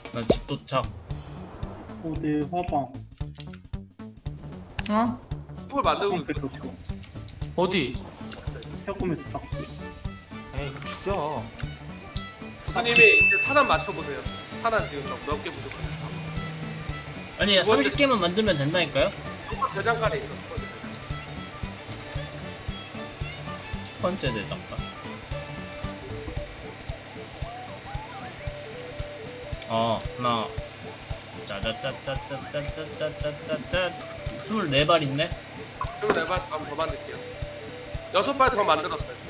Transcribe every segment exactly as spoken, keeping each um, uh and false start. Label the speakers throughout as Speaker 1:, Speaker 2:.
Speaker 1: 나 집 도착.
Speaker 2: 어, 내 화방.
Speaker 3: 어?
Speaker 4: 풀 만들고
Speaker 2: 화방 뺐어, 지금.
Speaker 3: 어디?
Speaker 2: 시작하면서 딱.
Speaker 3: 에이 죽여.
Speaker 4: 부스님이 이제 탄환 맞춰보세요. 탄환 지금 몇 개 부족하세요?
Speaker 1: 아니
Speaker 4: 두 번째-
Speaker 1: 삼십 개만 만들면 된다니까요?
Speaker 4: 첫 대장간에 있어. 첫 번째.
Speaker 1: 첫 번째 대장간. 어 하나 짜자짜짜짜짜짜짜짜짜 스물네 발 있네?
Speaker 4: 스물네 발 한번 더 만들게요. 여섯 발 더 만들었어요.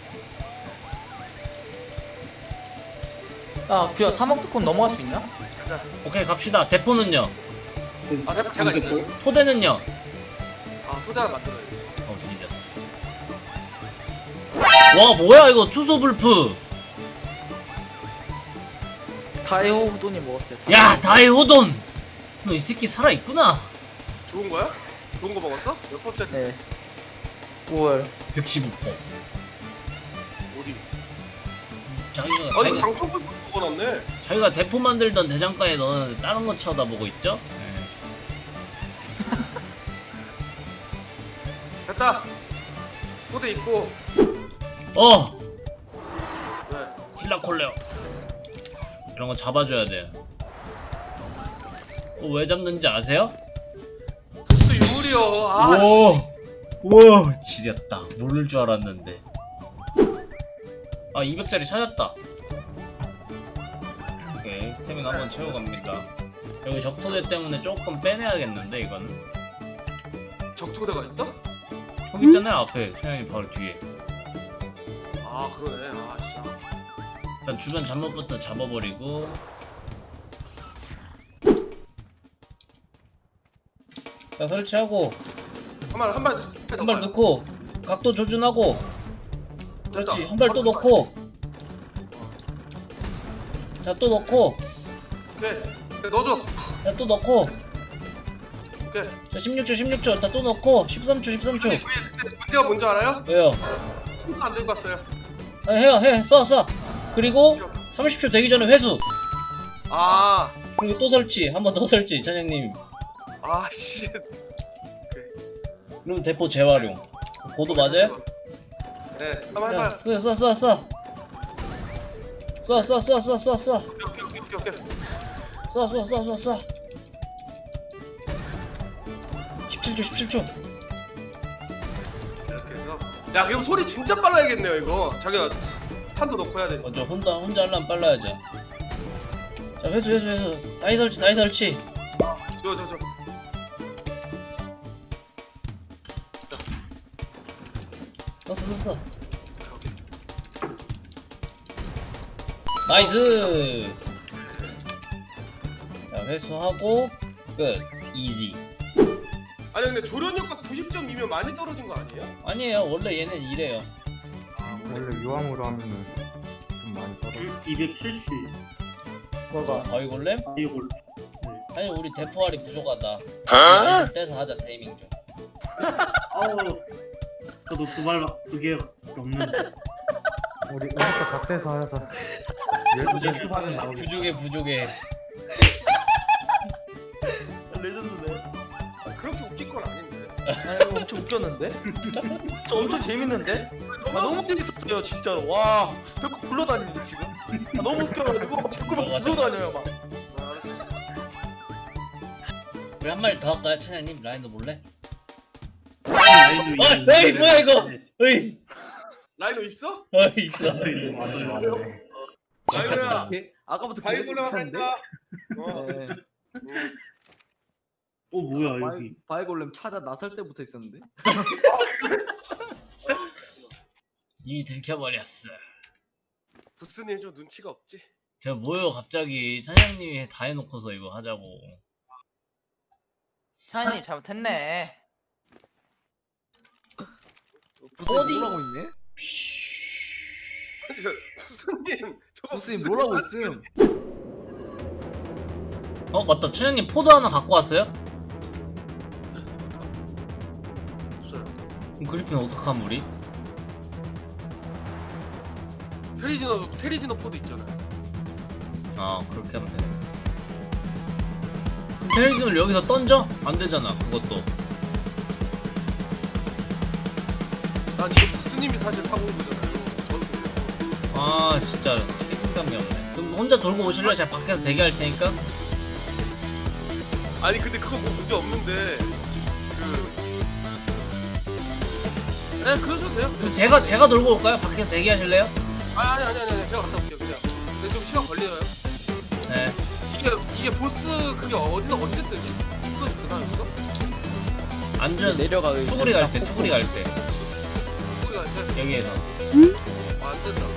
Speaker 3: 야 규야 삼억 특권 넘어갈 수 있냐?
Speaker 4: 가자.
Speaker 1: 오케이 갑시다. 대포는요?
Speaker 4: 아, 대박 제가 있어요.
Speaker 1: 토대는요?
Speaker 4: 아, 토대 하나 만들어야지.
Speaker 1: 어 뒤졌어. 와 뭐야 이거 투소불프.
Speaker 3: 다이오 후돈이 먹었어요.
Speaker 1: 야 다이호돈. 너 이 새끼 살아있구나.
Speaker 4: 좋은 거야? 좋은 거 먹었어? 몇 번째?
Speaker 3: 네. 오월.
Speaker 1: 백십오 퍼.
Speaker 4: 어디?
Speaker 1: 자기가
Speaker 4: 아, 이거
Speaker 1: 자기가,
Speaker 4: 장성분 먹어놨네.
Speaker 1: 자기가 대포 만들던 대장간에 넣었는데 다른 거 쳐다보고 있죠? 네.
Speaker 4: 됐다. 토대 있고.
Speaker 1: 어
Speaker 4: 네.
Speaker 1: 틸라콜레오 이런 거 잡아줘야 돼. 어, 왜 잡는지 아세요?
Speaker 4: 보스 유물이요. 아,
Speaker 1: 우와 우와 지렸다. 모를 줄 알았는데. 아 이백 짜리 찾았다. 오케이 스태미나 한번 채워갑니다. 여기 적토대 때문에 조금 빼내야겠는데 이거는.
Speaker 4: 적토대가 있어?
Speaker 1: 저기 있잖아요 앞에 천연이 바로 뒤에.
Speaker 4: 아, 그러네. 아, 씨.
Speaker 1: 일단 주변 잠옷부터 잡아버리고. 자 설치하고
Speaker 4: 한발 한발
Speaker 1: 한 발 넣고 각도 조준하고. 그렇지 한 발 또 넣고. 자 또 넣고.
Speaker 4: 오케이. 네, 넣어줘.
Speaker 1: 자 또 넣고.
Speaker 4: 오케이.
Speaker 1: 자 십육 초 십육 초 자 또 넣고. 십삼 초 십삼 초.
Speaker 4: 우리 그때 문제가 뭔지 알아요?
Speaker 1: 왜요?
Speaker 4: 손도 안 들고 왔어요.
Speaker 1: 아, 해요 해쏴쏴 그리고 삼십 초 되기 전에 회수.
Speaker 4: 아,
Speaker 1: 그리고 또 설치 한 번 더 설치 차장님.
Speaker 4: 아, 씨.
Speaker 1: 그럼 대포 재활용. 보도 맞아요?
Speaker 4: 네, 한번
Speaker 1: 야,
Speaker 4: 해봐요.
Speaker 1: 쏴, 쏴, 쏴, 쏴. 쏴, 쏴, 쏴, 쏴, 쏴, 쏴.
Speaker 4: 오케이, 오케이, 오케이, 오케이.
Speaker 1: 쏴, 쏴, 쏴, 쏴, 쏴. 십칠 초, 십칠 초.
Speaker 4: 이렇게 해서. 야, 그럼 소리 진짜 빨라야겠네요, 이거. 자기가 판도 넣고 해야 돼.
Speaker 1: 먼저 혼자, 혼자 하려면 빨라야죠. 자, 회수, 회수, 회수. 다이 설치, 다이 설치.
Speaker 4: 저, 저, 저.
Speaker 1: 넣었어, 넣었어. 나이스! 자, 회수하고, 끝. 이지.
Speaker 4: 아니, 근데 조련 효과 구십 점이면 많이 떨어진 거 아니에요?
Speaker 1: 아니에요. 원래 얘는 이래요.
Speaker 5: 원래 유황으로 하면은 좀 많이 떨어져.
Speaker 2: 이백칠십.
Speaker 1: 어, 바위골렘?
Speaker 2: 이걸.
Speaker 1: 아니, 우리 대포알이 부족하다. 어? 떼서 하자, 테이밍 좀.
Speaker 2: 아우. 저도 두 발, 두개 넘는데.
Speaker 5: 우리 음악도 각대서 하자. 열두 발은 나오겠다.
Speaker 1: 부족해, 부족해.
Speaker 3: 레전드네.
Speaker 4: 아, 그렇게 웃길 건 아닌데.
Speaker 3: 아 이거 엄청 웃겼는데? 저 엄청 재밌는데? 아 너무 재밌었어요 진짜로. 와 벽구 굴러다니는데 지금? 아, 너무 웃겨가지고 벽구 막 굴러다녀요 막.
Speaker 4: 아, 알았어.
Speaker 1: 우리 한 마리 더 할까요, 차장님? 라인도 몰래?
Speaker 2: 아이도
Speaker 1: 어, 에이, 뭐야, 이거! 어이!
Speaker 4: 라이노 있어?
Speaker 1: 어이, 있어.
Speaker 5: 맞네.
Speaker 4: 라이노야.
Speaker 3: 예? 아까부터 계속
Speaker 4: 바이블로
Speaker 3: 비슷한데?
Speaker 4: 한다. 어.
Speaker 3: 네.
Speaker 2: 어, 뭐야, 여기.
Speaker 3: 바이골렘 찾아 나설 때부터 있었는데?
Speaker 1: 이미 들켜버렸어.
Speaker 4: 부스님 좀 눈치가 없지?
Speaker 1: 제가 뭐요, 갑자기. 차장님이 다 해놓고서 이거 하자고.
Speaker 6: 현이 잘못했네.
Speaker 3: 부스님 뭐라고 있네?
Speaker 4: 부스님 저거
Speaker 3: 부스님 뭐라고 있음?
Speaker 1: 어, 맞다. 차장님 포도 하나 갖고 왔어요?
Speaker 4: 없어요.
Speaker 1: 그럼 그리핀 어떡함, 우리?
Speaker 4: 테리지노 테리지노 포드 있잖아요.
Speaker 1: 아, 그렇게 하면 되네. 테레기를 여기서 던져? 안 되잖아 그것도.
Speaker 4: 난 이거 부스님이 사실 타고 온 거잖아요. 저는
Speaker 1: 아 진짜 책임감이 없네. 그럼 혼자 돌고 오실래요? 제가 밖에서 대기할 테니까.
Speaker 4: 아니 근데 그거 뭐 문제 없는데 그. 네 그러셔도 돼요.
Speaker 1: 그럼 제가 제가 돌고 올까요? 밖에서 대기하실래요?
Speaker 4: 아 아니 아니 아니 아니 제가 갔다 올게요 그냥. 근데 좀 시간 걸려요.
Speaker 1: 네.
Speaker 4: 이게 이게 보스 그게 어디서 언제 뜨지? 이거 뜨나 여기서?
Speaker 1: 안전
Speaker 6: 내려가.
Speaker 1: 수구리 갈 때, 수구리 갈 때.
Speaker 4: 소리가 이제
Speaker 1: 여기에서.
Speaker 4: 아, 안 된다.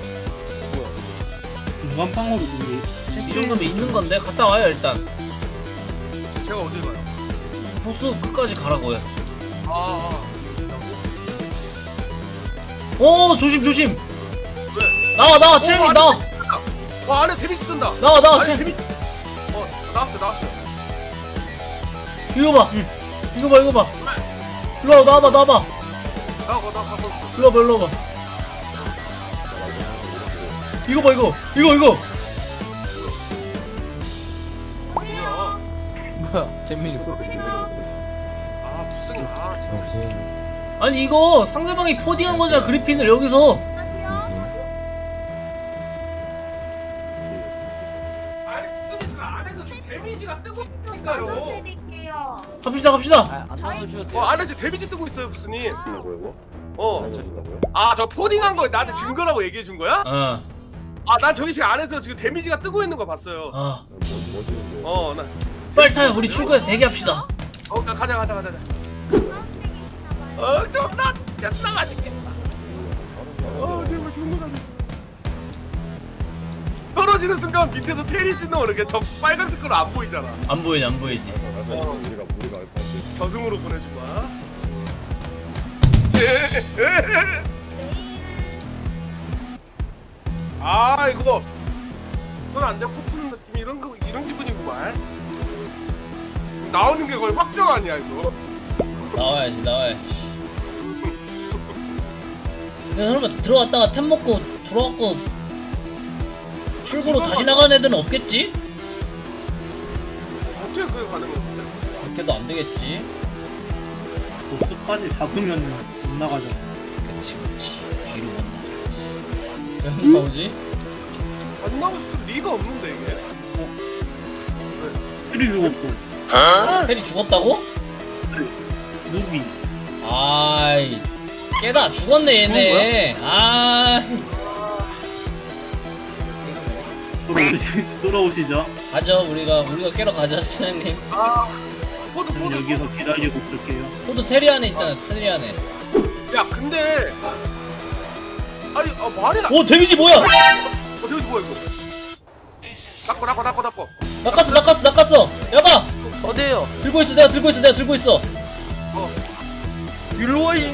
Speaker 2: 중간방으로 우리
Speaker 1: 이 정도면 있는 건데 갔다 와요 일단.
Speaker 4: 제가 어딜 가요?
Speaker 1: 보스 끝까지 가라고요.
Speaker 4: 아, 아.
Speaker 1: 오 조심 조심.
Speaker 4: 왜?
Speaker 1: 나와 나와 체력이
Speaker 4: 오,
Speaker 1: 나와
Speaker 4: 와 안에 데미지 뜬다.
Speaker 1: 나와 나와
Speaker 4: 아니
Speaker 1: 체.
Speaker 4: 데미지. 어 나왔어 나왔어.
Speaker 1: 이거 봐. 이거 봐 이거 봐. 일로 와 나와봐 나와봐.
Speaker 4: 나가 나 가고.
Speaker 1: 일로 와봐 일로 와봐. 이거 봐 이거 이거 이거.
Speaker 4: 뭐야?
Speaker 6: 뭐야 재민이.
Speaker 4: 아 무슨 아 진짜.
Speaker 1: 아니 이거 상대방이 포딩한 거잖아 그리핀을 여기서.
Speaker 4: 아니 무슨 지금 안에서 지금 데미지가 뜨고 있으니까요.
Speaker 7: 드릴게요.
Speaker 1: 갑시다 갑시다.
Speaker 6: 아안 나오셔도 돼요.
Speaker 4: 어 안에 지금 데미지 뜨고 있어요 부스님. 어. 아 저 포딩한 거 나한테 증거라고 얘기해 준 거야?
Speaker 1: 어.
Speaker 4: 아 난 저기 지금 안에서 지금 데미지가 뜨고 있는 거 봤어요.
Speaker 1: 아
Speaker 4: 어 나.
Speaker 1: 빨리 타요. 우리 출구에서 대기합시다.
Speaker 4: 어 가- 가자 가자 가자. 가자.
Speaker 7: 주황색이시나 봐요.
Speaker 4: 어 존나 존나 맛있겠다. 어 제발 존나 맛있. 떨어지는 순간 밑에서 테리 찢는 이렇게 저 빨간색 거로 안 보이잖아.
Speaker 1: 안 보이지 안 보이지.
Speaker 4: 어. 저승으로 보내주마.
Speaker 7: 내일
Speaker 4: 아 이거 손 안 대고 코 푸는 느낌 이런 거 이런 기분이구만. 나오는 게 거의 확정 아니야 이거.
Speaker 1: 나와야지 나와야지. 그냥 설마 들어왔다가 템 먹고 돌아왔고 출구로 다시 나가는 애들은 없겠지?
Speaker 4: 어떻게 그게 가능해?
Speaker 1: 그렇게도 안 되겠지.
Speaker 2: 보스까지 잡으면 못 나가잖아.
Speaker 1: 그렇지 그렇지. 뒤로 못 나가야지. 왜 안 나오지?
Speaker 4: 안 나올 수 리가 없는데 이게.
Speaker 2: 필이 죽었어.
Speaker 1: 텔이 죽었다고?
Speaker 2: 누비.
Speaker 1: 아이 깨다 죽었네 얘네. 아
Speaker 2: 돌아오시, 돌아오시죠.
Speaker 1: 가죠 우리가 우리가 깨러 가죠 사장님.
Speaker 4: 아 포드
Speaker 2: 저는
Speaker 4: 포드.
Speaker 2: 여기서 기다리고 있을게요.
Speaker 1: 포도 테리 안에 있잖아 테리 안에.
Speaker 4: 야 근데 아니 아 말이 나.
Speaker 1: 오 데미지 뭐야?
Speaker 4: 어 데미지 뭐야 이거? 닦고 닦고 닦고 닦고.
Speaker 1: 낚았어 낚았어 낚았어. 야봐
Speaker 6: 어디에요?
Speaker 1: 들고 있어 내가 들고 있어 내가 들고 있어.
Speaker 6: 율로잉.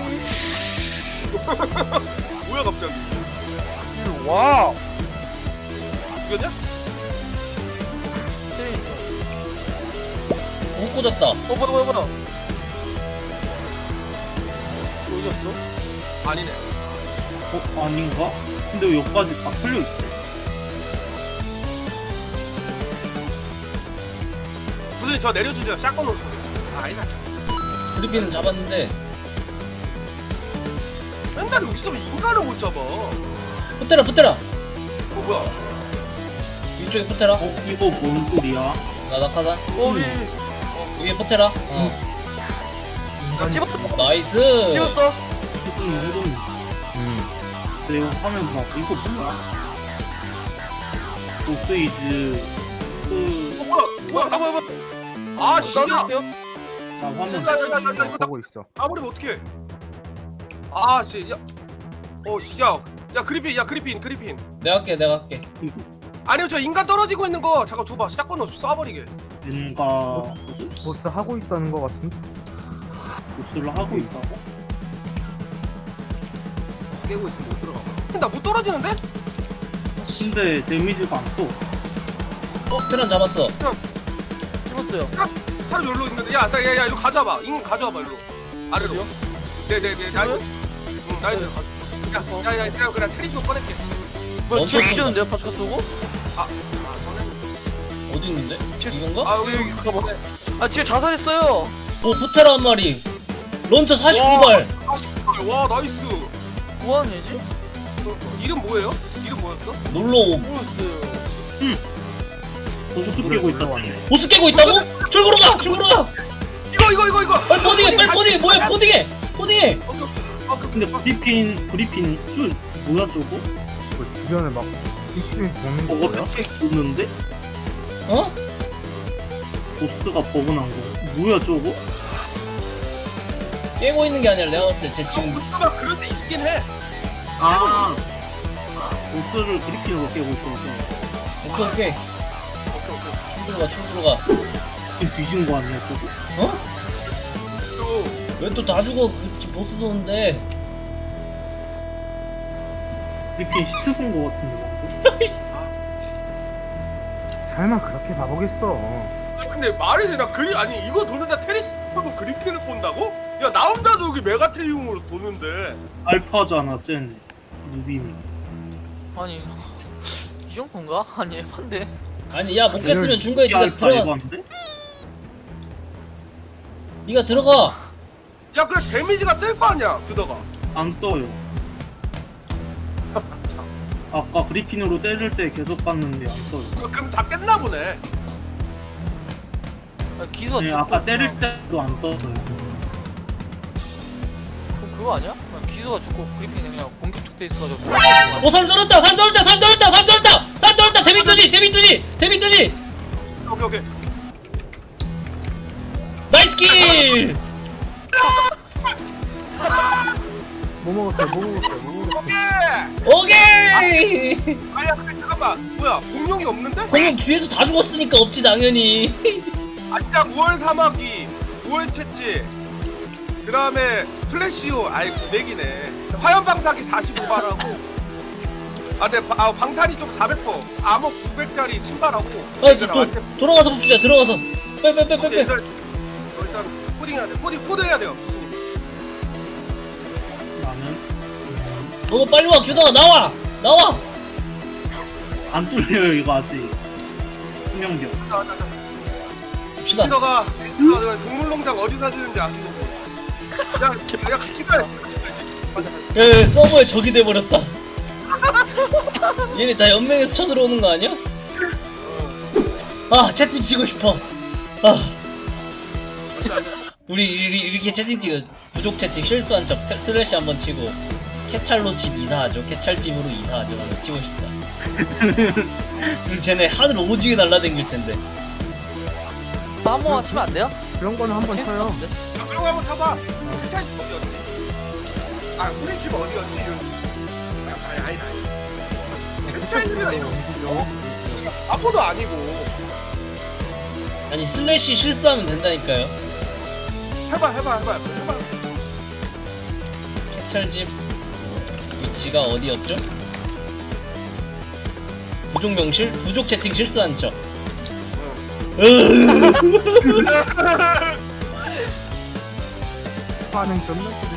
Speaker 4: 뭐야 갑자기?
Speaker 6: 와.
Speaker 4: 이거냐?
Speaker 1: 못 꽂았다.
Speaker 6: 어 뭐야 뭐야 뭐야. 어디였어?
Speaker 4: 아니네.
Speaker 2: 어? 아닌가? 근데 왜 여기까지 다 풀려있어?
Speaker 4: 무슨 저 내려주세요. 샷건 올 소리. 아 아니다.
Speaker 1: 그리핀은 잡았는데
Speaker 4: 맨날 여기서 왜 인간을 못 잡아. 어
Speaker 1: 붙대라 붙대라.
Speaker 4: 뭐야?
Speaker 1: 이쪽에 붙대라.
Speaker 2: 어? 이거 뭔 소리야?
Speaker 1: 나 낙하산.
Speaker 6: 어 위.
Speaker 1: 위에 붙대라. 어.
Speaker 6: 아, 찍었어.
Speaker 1: 나이스.
Speaker 6: 찍었어.
Speaker 2: 조금 무덤. 내가 화면 봐. 이거 뭐야? 보스이즈. 그,
Speaker 4: 어 뭐야? 뭐야? 아 뭐야 뭐야? 아 씨야.
Speaker 2: 나 화면
Speaker 4: 진짜 나, 나, 나, 나 이거 딱
Speaker 5: 보고 있어.
Speaker 4: 아무리면 어떡해? 아 씨. 야. 어 씨. 야. 야 그리핀. 야 그리핀. 그리핀.
Speaker 1: 내가 할게 내가 할게.
Speaker 4: 아니면 저 인간 떨어지고 있는 거 잠깐 줘봐. 샷건으로 쏴버리게.
Speaker 2: 뭔가
Speaker 5: 보스 하고 있다는 거 같은데?
Speaker 2: 보스를 하고 있다고?
Speaker 6: 깨고 있으면 못 들어가.
Speaker 4: 나 못 떨어지는데?
Speaker 2: 근데 데미지가 안 떠.
Speaker 1: 어 테란 잡았어.
Speaker 6: 찍었어요.
Speaker 4: 사람 여기로 있는데. 야, 자, 야, 야, 이거 가져와봐. 잉 가져와봐 일로. 아래로. 네네네. 나 이거. 응, 나 이거. 야, 야, 야, 내가 그냥 테리도 꺼낼게.
Speaker 6: 뭐야
Speaker 1: 멈춰.
Speaker 6: 뒤에 뒤졌는데요? 파츠카 쏘고?
Speaker 4: 아, 아, 저는
Speaker 1: 어디 어디 있는데? 이건가?
Speaker 4: 아 여기 여기
Speaker 6: 가봐. 아 진짜 자살했어요.
Speaker 1: 오 푸테라 한 마리. 런처 사십구 발.
Speaker 4: 와 나이스.
Speaker 6: 뭐하는 애지?
Speaker 4: 어, 이름 뭐예요? 이름 뭐였어?
Speaker 1: 놀러
Speaker 6: 모르겠어요.
Speaker 2: 보스 깨고 있다.
Speaker 1: 보스 깨고 있다고? 출구로 가! 출구로 가!
Speaker 4: 이거 이거 이거 이거.
Speaker 1: 빨리 포딩해! 빨리 포딩해! 뭐야 포딩해! 포딩해!
Speaker 4: 오케이 오케이. 아 그,
Speaker 2: 근데 브리핀 브리핀 술 뭐야 저거?
Speaker 5: 그 주변에 막 입술이 도는
Speaker 2: 저거
Speaker 5: 거야?
Speaker 2: 택 있는데?
Speaker 1: 어?
Speaker 2: 보스가 버그난 거. 뭐야 저거?
Speaker 1: 깨고 있는 게 아니라 내가 봤을 때 쟤
Speaker 4: 형
Speaker 1: 지금
Speaker 4: 부스가 그런 데 있긴 해.
Speaker 2: 아 보스를 브리핀으로 깨고 있어서
Speaker 1: 오케이 오케이
Speaker 4: 오케이 오케이.
Speaker 1: 출구로 가 출구로 가
Speaker 2: 지금 뒤진 거 아니야 저거?
Speaker 1: 어?
Speaker 4: 또
Speaker 1: 왜 또 다 죽어 그 보스 도는데
Speaker 2: 브리핀 시트 본거 같은데 방금?
Speaker 5: 설마 그렇게 바보겠어.
Speaker 4: 아, 근데 말이 되나 그리 아니 이거 도는데 테리스고 그리핀을 본다고? 야 나 혼자도 여기 메가테리움으로 도는데.
Speaker 2: 알파잖아 쟤는 누비니.
Speaker 6: 아니 이 정도인가? 아니 에반데.
Speaker 1: 아니 야 못 깼으면 중간에
Speaker 2: 이게
Speaker 1: 네가
Speaker 2: 알파
Speaker 1: 들어가
Speaker 2: 에반데?
Speaker 1: 네가 들어가
Speaker 4: 야 그래 데미지가 뜰 거 아니야 그다가.
Speaker 2: 안 떠요. 아까 브리핀으로 때릴 때 계속 봤는데 안 떠요.
Speaker 4: 그럼 다 깼나 보네.
Speaker 6: 아, 기수가
Speaker 2: 네,
Speaker 6: 죽고
Speaker 2: 아까 때릴
Speaker 6: 그냥-
Speaker 2: 때도 안 떴어요.
Speaker 6: 그럼 그거 아니야? 그냥 기수가 죽고 그리핀이 그냥 공격적 돼 있어가지고.
Speaker 1: 오 사람 떨었다 사람 떨었다 사람 떨었다 사람 떨었다 사람 떨었다 데미 뜨지 데미 뜨지 데미 뜨지
Speaker 4: 오케이 오케이.
Speaker 1: 나이스 킬
Speaker 5: 뭐 먹었어요? 뭐 먹었어요? 뭐 먹었어요?
Speaker 4: 오케이.
Speaker 1: 오케이
Speaker 4: 아야 근데 잠깐만 뭐야 공룡이 없는데?
Speaker 1: 공룡 뒤에서 다 죽었으니까 없지 당연히
Speaker 4: 아짜 우월 사마귀, 우월 채찌, 그 다음에 플래시오, 아이 구백이네. 화염 방사기 사십오 발하고, 아, 네, 아, 방탄이 좀 사백 퍼, 암호 구백짜리 신발하고.
Speaker 1: 아이 또 돌아가서 봅시다 들어가서 빼빼빼빼빼
Speaker 4: 일단, 어, 일단 코딩 해야 돼. 코딩 코드 해야 돼요. 교수님.
Speaker 2: 나는 음,
Speaker 1: 너도 빨리 와 규다가 나와 나와
Speaker 2: 안 뚫려요 이거 아직. 수명력.
Speaker 4: 자, 자, 자.
Speaker 1: 봅시다
Speaker 4: 피더가 피더가 동물농장 어디 사시는지 아시는 분? 야, 야, 기다려.
Speaker 1: 예 서버에 적이 돼버렸다 얘네 다 연맹에서 쳐들어오는 거 아니야? 아 채팅 치고 싶어 아 우리 이- 이- 이렇게 채팅 찍어 부족 채팅 실수한 척 스- 슬래시 한번 치고 캐찰로 집 이사하죠 캐찰집으로 이사하죠 하고 치고 싶다 그럼 쟤네 하늘 오지게 날라댕길 텐데
Speaker 6: 한 번만 치면 안 돼요?
Speaker 5: 그런 거는 한번
Speaker 6: 재밌을 것
Speaker 5: 쳐요.
Speaker 6: 같은데?
Speaker 4: 야, 그런 거 한번 쳐봐. 캐찰 집 어디였지? 아, 우리 집 어디였지? 야, 아니, 아니, 아니. 캐찰 집이라 이거. 아포도 아니고.
Speaker 1: 아니 슬래시 실수하면 된다니까요
Speaker 4: 해봐, 해봐, 해봐, 해봐.
Speaker 1: 캐찰집 위치가 어디였죠? 부족 명실? 부족 채팅 실수한 척
Speaker 5: 반응 존나 크지.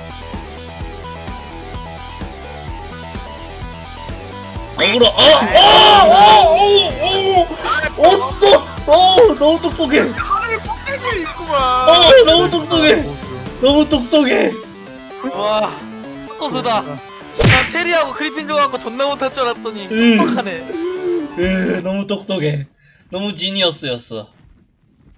Speaker 1: 억울어 아! 어! 어! 어! 어딨어! 어! 너무 똑똑해
Speaker 4: 하늘에 꼭대기에 있구만.
Speaker 1: 어! 너무 똑똑해 너무 똑똑해
Speaker 6: 와 코스다. 난 테리하고 그리핀 좋아하고 존나 못할 줄 알았더니
Speaker 1: 음.
Speaker 6: 똑똑하네.
Speaker 1: 으, 너무 똑똑해 너무 지니어스였어